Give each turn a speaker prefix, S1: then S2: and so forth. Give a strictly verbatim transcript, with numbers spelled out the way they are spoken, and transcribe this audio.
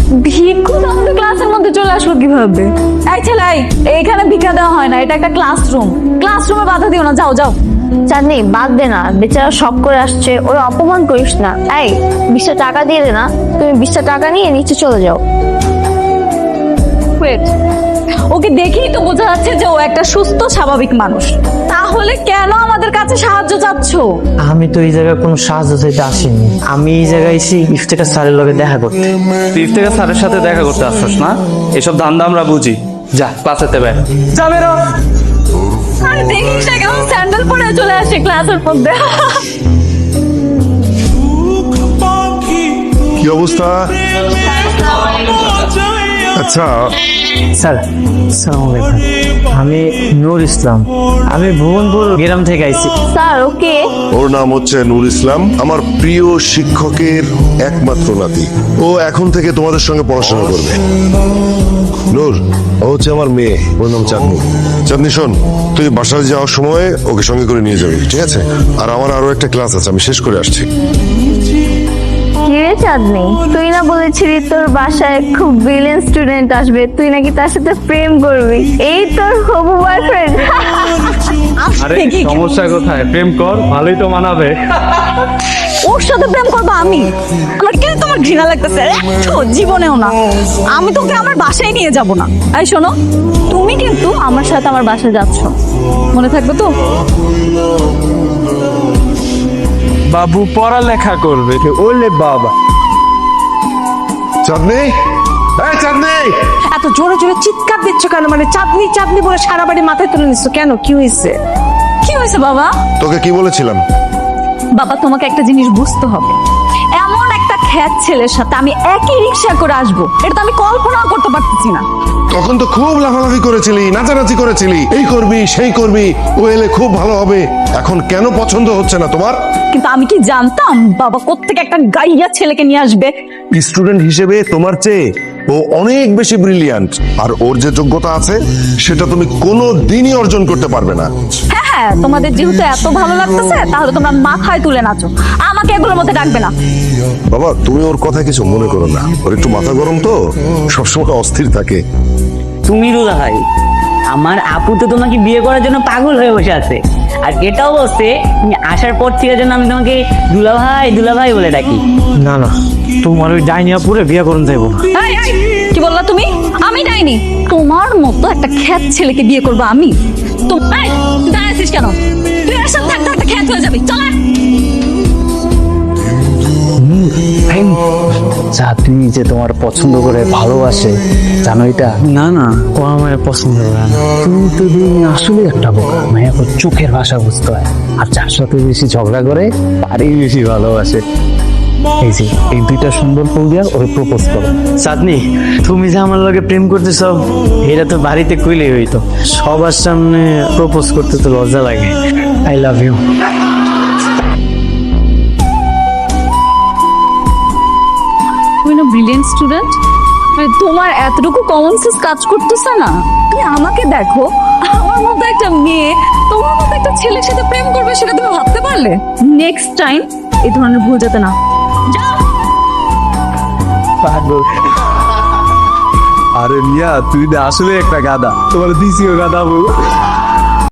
S1: ভিক্ষু তো আমাদের ক্লাসের মধ্যে চলে আসলো কিভাবে? এই ছেলে, এইখানে ভিক্ষা দেওয়া হয় না, এটা একটা ক্লাসরুম। ক্লাসরুমে বাধা দিও না, যাও যাও।
S2: চাঁদনি বাদ দে না, বেচারা শখ করে আসছে, ওর অপমান করিস না। এই বিশটা টাকা দিয়ে দে না, তুমি বিশটা টাকা নিয়ে নিচে চলে যাও।
S1: ওয়েট, ওকে দেখেই তো বোঝা যাচ্ছে যে ও একটা সুস্থ স্বাভাবিক মানুষ, তাহলে কেন আমাদের কাছে সাহায্য চাচ্ছ?
S3: আমি তো এই জায়গায় কোনো সাহায্য চাইতে আসিনি, আমি এই জায়গায় এসে ইফতেখার স্যারের লগে দেখা করতে।
S4: তুই ইফতেখার স্যারের সাথে দেখা করতে আসছস না? এসব ধান্দা আমরা বুঝি। যা ক্লাসেতে বের যা বেরো।
S1: আরে দেখিস না কেমন স্যান্ডেল পরে চলে আসে ক্লাসের মধ্যে।
S5: কি অবস্থা? আচ্ছা
S3: স্যার আসসালামু আলাইকুম, আমি নূর ইসলাম, আমি ভুবনপুর গ্রাম থেকে আইছি।
S2: Sir okay.
S5: ওর নাম হচ্ছে নূর ইসলাম, আমার প্রিয় শিক্ষকের একমাত্র নাতি। ও এখন থেকে তোমাদের সঙ্গে পড়াশোনা করবে। নূর, ও হচ্ছে আমার মেয়ে, ওর নাম চাঁদনি। চাঁদনি শোন, তুই বাসায় যাওয়ার সময় ওকে সঙ্গে করে নিয়ে যাবি, ঠিক আছে? আর আমার আরো একটা ক্লাস আছে, আমি শেষ করে আসছি।
S2: কিরে চাঁদনি, তুই না বলেছিলি তোর বাসায় খুব ব্রিলিয়েন্ট স্টুডেন্ট আসবে, তুই নাকি তার সাথে প্রেম করবি, এই তোর হবু বয়ফ্রেন্ড?
S4: আরে সমস্যা কোথায়? প্রেম কর, ভালোই তো মানাবে।
S1: ওর সাথে প্রেম করবো আমি? আমার কেন তোমার ঘৃণা লাগতেছে? একটু জীবনেও না। আমি তোকে আমার বাসায় নিয়ে যাব না। এই শোনো, তুমি কিন্তু আমার সাথে আমার বাসায় যাচ্ছ, মনে থাকবে তো?
S4: বাবু পড়ালেখা করবে।
S3: ওলে বাবা,
S5: চাঁদনি, এই চাঁদনি!
S6: এত জোরে জোরে চিৎকার দিচ্ছ কেন? মানে চাঁদনি চাঁদনি বলে সারা বাড়ি মাথায় তুলে নিচ্ছ কেন? কি হয়েছে?
S1: কি হয়েছে বাবা?
S5: তোকে কি বলেছিলাম?
S1: বাবা তোমাকে একটা জিনিস বুঝতে হবে, এমন একটা খ্যাত ছেলের সাথে আমি একই রিক্সা করে আসবো, এটা তো আমি কল্পনাও করতে পারতেছি না।
S5: তখন তো খুব লাফালাফি করেছিলি, নাচানাচি করেছিলি, এই করবি সেই করবি, ও এলে খুব ভালো হবে। এখন কেন পছন্দ হচ্ছে না তোমার?
S1: কিন্তু আমি কি জানতাম বাবা কোত্থেকে একটা গাইয়া ছেলেকে নিয়ে আসবে?
S5: স্টুডেন্ট হিসেবে তোমার চেয়ে ও অনেক বেশি ব্রিলিয়ান্ট, আর ওর যে যোগ্যতা আছে সেটা তুমি কোনো দিনই অর্জন করতে পারবে না।
S1: হ্যাঁ হ্যাঁ, তোমাদের যেহেতু এত ভালো লাগতেছে তাহলে তোমরা মাথায় তুলে নাচো, আমাকে এগুলোর মধ্যে ডাকবে না।
S5: বাবা, তুমি ওর কথা কিছু মনে করো না, ওর একটু মাথা গরম তো, সবসময় অস্থির থাকে।
S7: তুমি রুদা ভাই, আমার আপু তো তোমাকে বিয়ে করার জন্য পাগল হয়ে বসে আছে, আর এটাও বলছে তুমি আসার পর থেকে যেন আমি তোমাকে দুলা ভাই দুলা ভাই বলে ডাকি।
S3: না না, তোমার ওই ডাইনিয়া পুরে বিয়ে করুন যাইবো না।
S1: এই, এই, কি বললা তুমি? আমি ডাইনি? তোমার মতো একটা খ্যাত ছেলেকে বিয়ে করবো আমি? তুমি দাঁড়াইছিস কেন? তুই এর সাথে থাকতে থাকতে খ্যাত হয়ে যাবি, চল।
S3: চাঁদনি যে তোমার পছন্দ করে ভালোবাসে, জানো এটা?
S7: না না,
S3: ও আমার পছন্দ করে না। তুমি তো দিন আসলে একটা বোকা, মায়া ওর চোখের ভাষা বুঝতে হয়, আর যার সাথে বেশি ঝগড়া করে তারই বেশি ভালোবাসে। এই যে এই দুইটা সুন্দর ফুল দিয়া ওরে প্রপোজ করো।
S7: চাঁদনি, তুমি যে আমার লগে প্রেম করতেছ এটা তো বাড়িতে কইলেই হইতো, সবার সামনে প্রপোজ করতে তো লজ্জা লাগে।
S3: I love you.
S1: তুমি না ব্রিলিয়েন্ট স্টুডেন্ট, মানে তোমার এতটুকু কমন সেন্স কাজ করতেছে না? তুমি আমাকে দেখো, আমার মতো একটা মেয়ে তোমার মতো একটা ছেলের সাথে প্রেম করবে, সেটা তুমি ভাবতে পারলে? নেক্সট টাইম এই ধরনের ভুল যাতে না। যাও।
S4: আরে মিয়া, তুই আসলে একটা গাদা, তোমার দিছিও গাদা বউ।